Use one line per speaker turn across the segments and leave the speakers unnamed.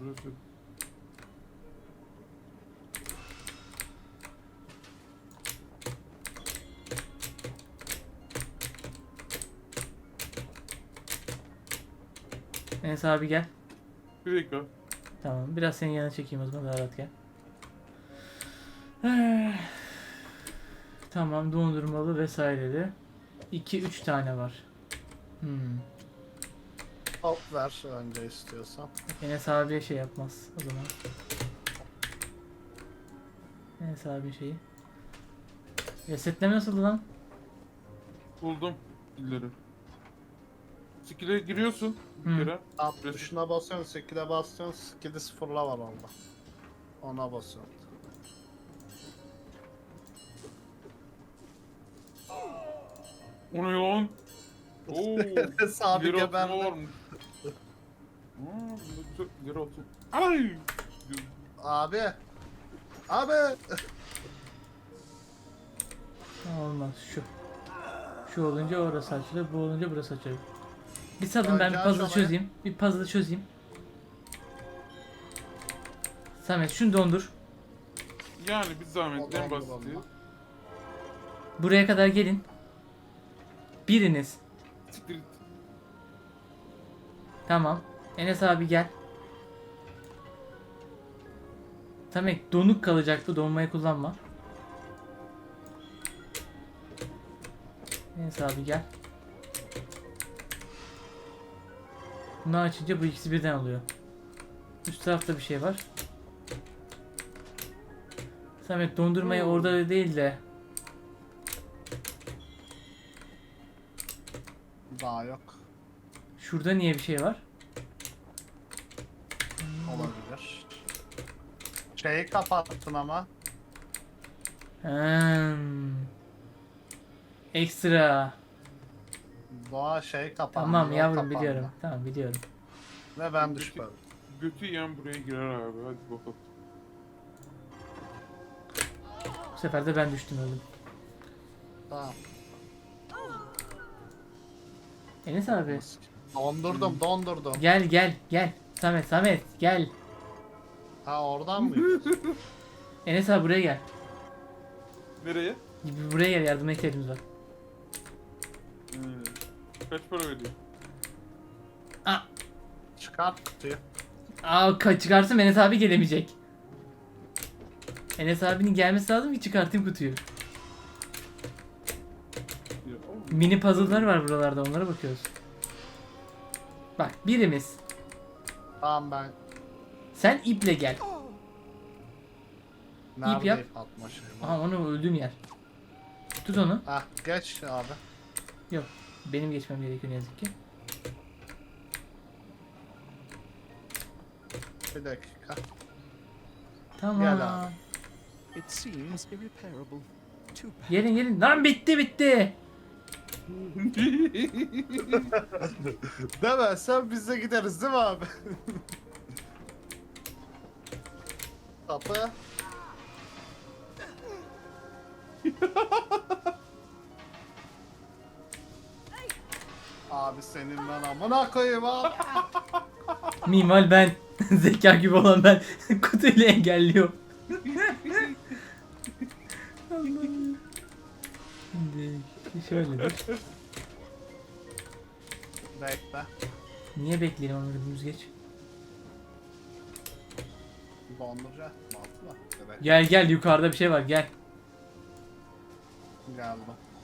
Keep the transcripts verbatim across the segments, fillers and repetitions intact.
burası.
Enes abi gel.
Bir dakika.
Tamam. Biraz senin yanına çekeyim o zaman, daha rahat gel. Eh, Tamam, dondurmalı vesaireli. iki üç tane var. Hmm.
Hop ver önce istiyorsan.
Enes abiye şey yapmaz o zaman. Enes abi şeyi. Resetleme nasıldı lan?
Buldum illeri. Skill'e giriyorsun bir
Hı.
kere.
Tam
Reset-
tuşuna basıyorsun, skill'e basıyorsun, skill'i sıfırla var orada. Ona basıyorsun.
O ne lan? Oo.
Enes abi
ileri atma
geberdi.
varmış. Aa, bunda güzel ileri atma. Ay!
Abi. Abi.
Olmaz şu. Şu olunca orası açılır, bu olunca burası açılır. Bir sadın, ben bir
Önce aç
puzzle
orayı.
çözeyim. Bir puzzle çözeyim. Samet şunu dondur.
Yani bir zahmet en
Allah'ım,
basiti.
Allah'ım.
Buraya kadar gelin. Biriniz.
Siktir git.
Tamam. Enes abi gel. Samet donuk kalacak bu, donmayı kullanma. Enes abi gel. Bunu açınca bu ikisi birden oluyor. Üst tarafta bir şey var. Samet dondurmayı
Hmm.
orada değil de
Daha yok.
şurada niye bir şey var?
Olabilir. Şeyi kapattın ama.
Hmm. Ekstra.
Doğa şey kapandı.
Tamam
yol
yavrum,
kapandı.
biliyorum. Tamam biliyorum.
Ve ben düşmedim.
Götü yiyen buraya girer abi, hadi bakalım.
Bu sefer de ben düştüm, öldüm.
Tamam.
Enes abi
Dondurdum, dondurdum.
gel gel gel. Samet Samet gel.
Ha oradan mı gidiyorsun?
Enes abi buraya gel.
Nereye?
Buraya gel, yardıma ihtiyacımız var.
Hmm. Kaç para ödüyor?
Aa,
Çıkart kutuyu.
aa ka- çıkarsın, Enes abi gelemeyecek. Enes abinin gelmesi lazım ki çıkartayım kutuyu.
Ya, oğlum.
Mini puzzle'lar var buralarda, onlara bakıyoruz. Bak birimiz.
Tamam ben.
Sen iple gel.
Nerede
yap.
ip atma şeyi?
Aha, onu öldüğüm yer. Tut onu.
Hah geç abi.
Yok. Benim geçmem gerekiyor ne yazık ki.
Bir dakika.
Tamam.
Gel abi.
It seems irreparable. Too bad.
Gelin gelin. Lan bitti bitti.
Demezsen biz de gideriz değil mi abi? Kapı. Abi senin ben amına koyayım abi.
Mimal ben. Zeka gibi olan ben. Kutuyla engelliyor. Allah'ım. Şimdi şöyledir.
Bekle.
Niye bekleyelim onu, dümdüz geç.
Donduracak mı altına? Evet.
Gel gel, yukarıda bir şey var, gel.
Geldim.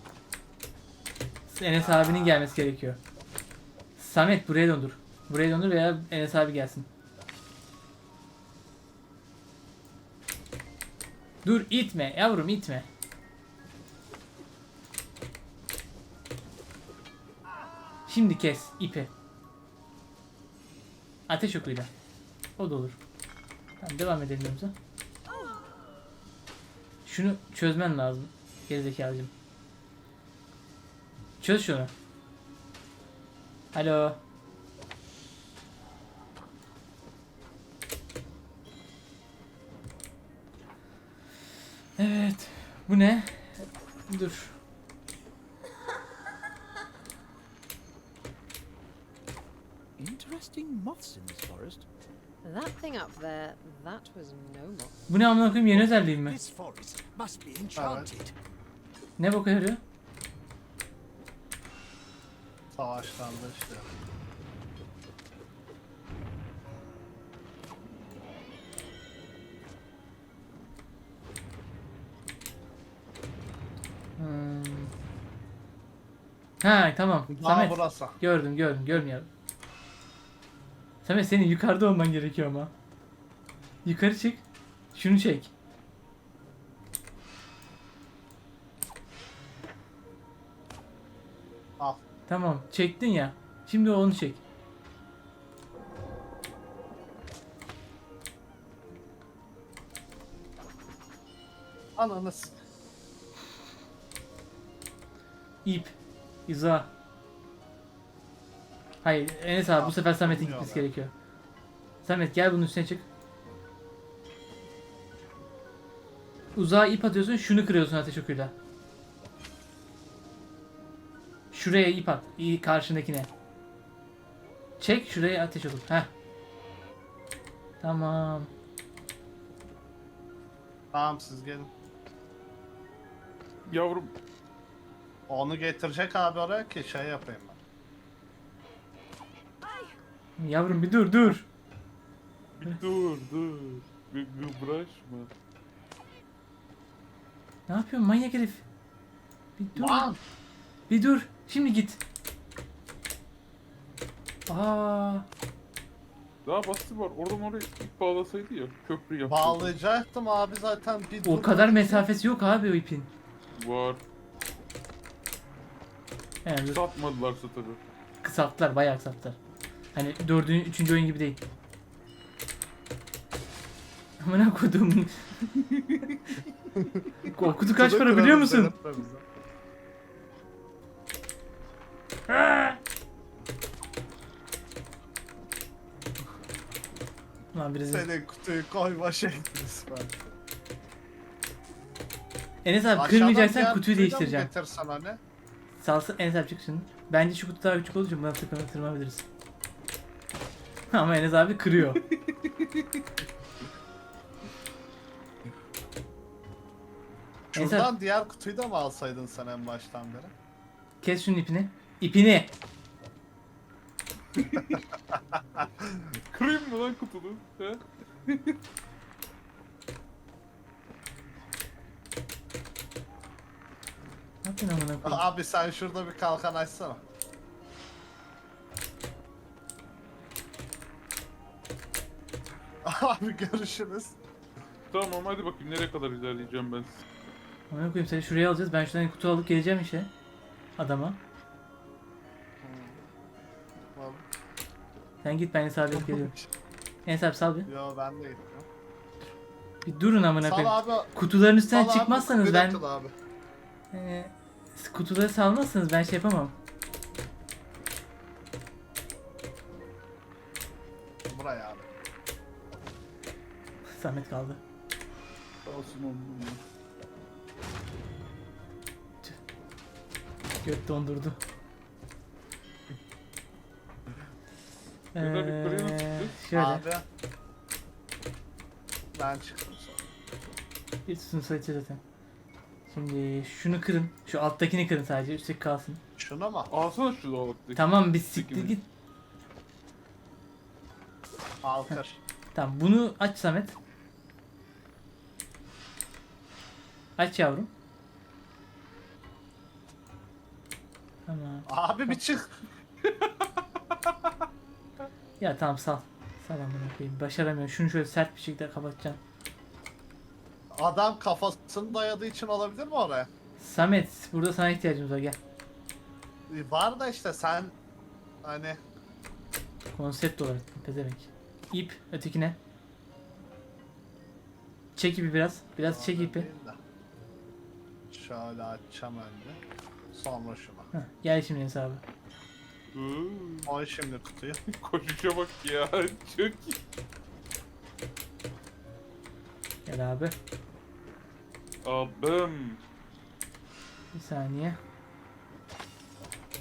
Enes abinin gelmesi gerekiyor. Samet buraya dondur. Buraya dondur veya Enes abi gelsin. Dur itme yavrum, itme. Şimdi kes ipi. Ateş okuyla. O da olur. Tamam, devam edelim yolumuza. Şunu çözmen lazım. Gerizekalıcım. Çöz şunu. Alo. Evet. Bu ne? Dur.
Interesting moths in this forest.
That thing up there, that was no more.
Bu ne amına koyayım, yeni özelliğim mi?
This forest must be enchanted.
Ne boka yarıyor?
Savaşlarda işte.
Hmm. Ha tamam.
Daha
Samet.
burası.
Gördüm gördüm görmüyorum. Samet senin yukarıda olman gerekiyor ama. Yukarı çık. Şunu çek.
Al.
Tamam çektin ya. Şimdi onu çek.
Ananı s-
İp. İza. Hayır Enes abi bu sefer Samet'in
Bilmiyorum
gitmesi
ya.
gerekiyor. Samet gel bunun üstüne çık. Uzağa ip atıyorsun, şunu kırıyorsun ateş okuyla. Şuraya ip at. İyi karşındakine. Çek şuraya ateş oku. Heh. Tamam.
Tamam siz gelin.
Yavrum.
Onu getirecek abi oraya ki şey yapayım ben.
Yavrum bir dur dur.
Bir dur dur. Bir gıbraşma.
Ne yapıyorsun manyak herif? Bir dur.
Lan!
Bir dur. Şimdi git. Aa.
Daha basit var. Oradan oraya ip bağlasaydı ya. Köprü yaptı.
Bağlayacaktım abi zaten bir
O
dur-
kadar mesafesi yok abi o ipin.
Var.
Yani dur.
Satmadılarsa tabii.
Kısalttılar, bayağı kısalttılar. Hani dördüncü, üçüncü oyun gibi değil. Amına koydum. O kutu kaç para biliyor musun? Lan biraz.
Senin kutuyu koyma şekliniz var.
Enes abi
Aşağıdan
kırmayacaksan
diğer
kutuyu
kutuyu da mı
değiştireceğim.
getirsen hani?
Salsın Enes abi çık şimdi. Bence şu kutu daha küçük olduğu için buna tırma, tırmanabiliriz. Ama Enes abi kırıyor. Enes abi
Şuradan diğer kutuyu da mı alsaydın sen en baştan beri?
kes şunun ipini. İpini.
Kırayım mı lan kutunu? He?
Ne yapıyorsun amına koyayım?
Abi sen şurada bir kalkan açsana. Abi görüşürüz.
Tamam hadi bakayım nereye kadar ilerleyeceğim ben.
Amına koyayım seni şuraya alacağız. Ben şuradan kutu alıp geleceğim işe. Adama.
Tamam.
Sen git ben Enes abi alıp geliyorum. Enes abi sal bir.
Yo ben de gittim.
Bir durun amına
Sal
koyayım.
abi.
Kutuların üstünden
sal abi,
çıkmazsanız
bir
ben...
dakika abi.
Ee, kutuları salmazsanız ben şey yapamam.
Buraya abi.
Zahmet kaldı.
Olsun oğlum ya.
Göt dondurdu.
Neden yukarıya nasıl
Ee,
çıkacağız?
şöyle.
Abi. Ben çıktım sonra.
Bir tutun sayıcı zaten. Şimdi şunu kırın. Şu alttakini kırın sadece. Üstteki kalsın.
Şuna mı?
Alsana şu dolaptaki.
Tamam bir siktir
Peki.
git.
Al kır.
Tamam bunu aç Samet. Aç yavrum. Tamam.
Abi bir çık.
Ya tamam sal. Sal amına koyayım. Başaramıyorum. Şunu şöyle sert bir şekilde kapatacağım.
Adam kafasını dayadığı için olabilir mi oraya?
Samet burada sana ihtiyacımız var gel.
Var da işte sen hani
Konsept olarak pezevenk. İp ötekine. Çek ipi biraz. Biraz çek ipi.
Değil de. Şöyle açacağım önce. Sonra şuna.
Heh, gel şimdi hesabı.
Hı,
Koy şimdi kutuyu.
Koşuşa bak ya. Çok iyi.
Gel abi.
Abim.
Bir saniye.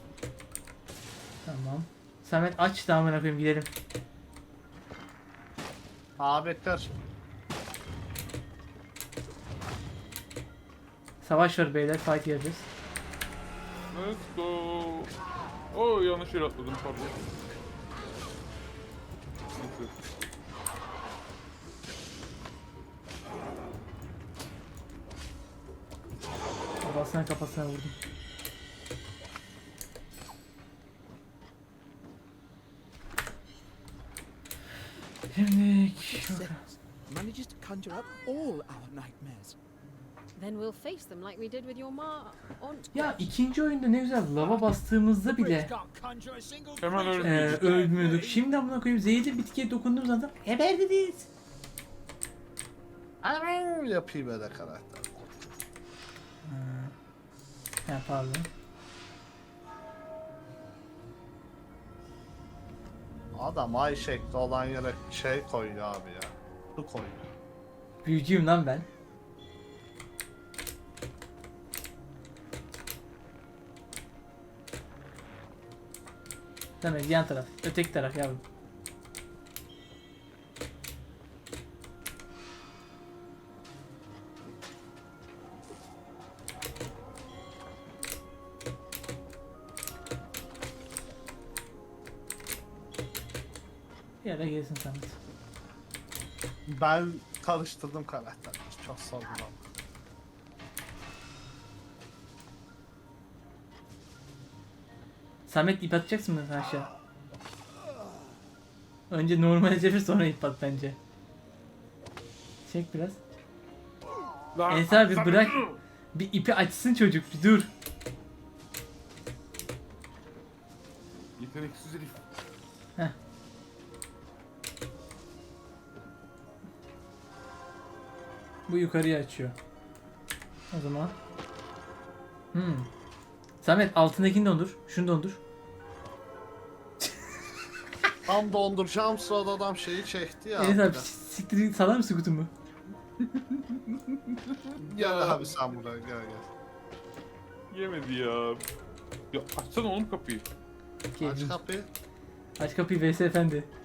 Tamam. Samet aç da amına koyayım gidelim.
Abi kır.
Savaş var beyler, fight yapacağız.
Let's go. Oo yanlış yere atladım pardon. Neyse.
Kafasına kafasına vurdum. Şimdi
Six manages to conjure up all our nightmares.
Then we'll face them like we did with your ma aunt.
ya ikinci oyunda ne güzel lava bastığımızda bile
Hemen
e,
ölmüyorduk.
ölmüyorduk. Şimdi amına koyayım zehirli bitkiye dokunduğumuz anda geberdiniz.
Aman yapayım öyle karakter.
Ha pardon.
Adam ay şekli olan yere şey koyuyor abi ya. Su koyuyor.
Büyücüyüm lan ben. Tamam yan taraf. Öteki taraf yavrum. Bir yere gelsin Samet.
Ben karıştırdım karakterleri. Çok sorun oldu.
Samet ip atacaksın mı aşağı? Önce normale çevir sonra ip at bence. Çek biraz.
Lan,
Enes abi
sen-
bırak. Bir ipi açsın çocuk bir dur.
Yeteneksiz herif.
Heh. Bu yukarıya açıyor. O zaman. Hmm. Samet altındakini dondur. Şunu dondur.
Tam donduracağım sırada adam şeyi çekti ya.
Enes abi
bir de.
siktir git, salar mısın kutumu?
Gel abi sen buraya gel gel.
Yemedi ya. Ya açsana oğlum kapıyı.
Aç kapıyı.
Aç kapıyı Veysel Efendi.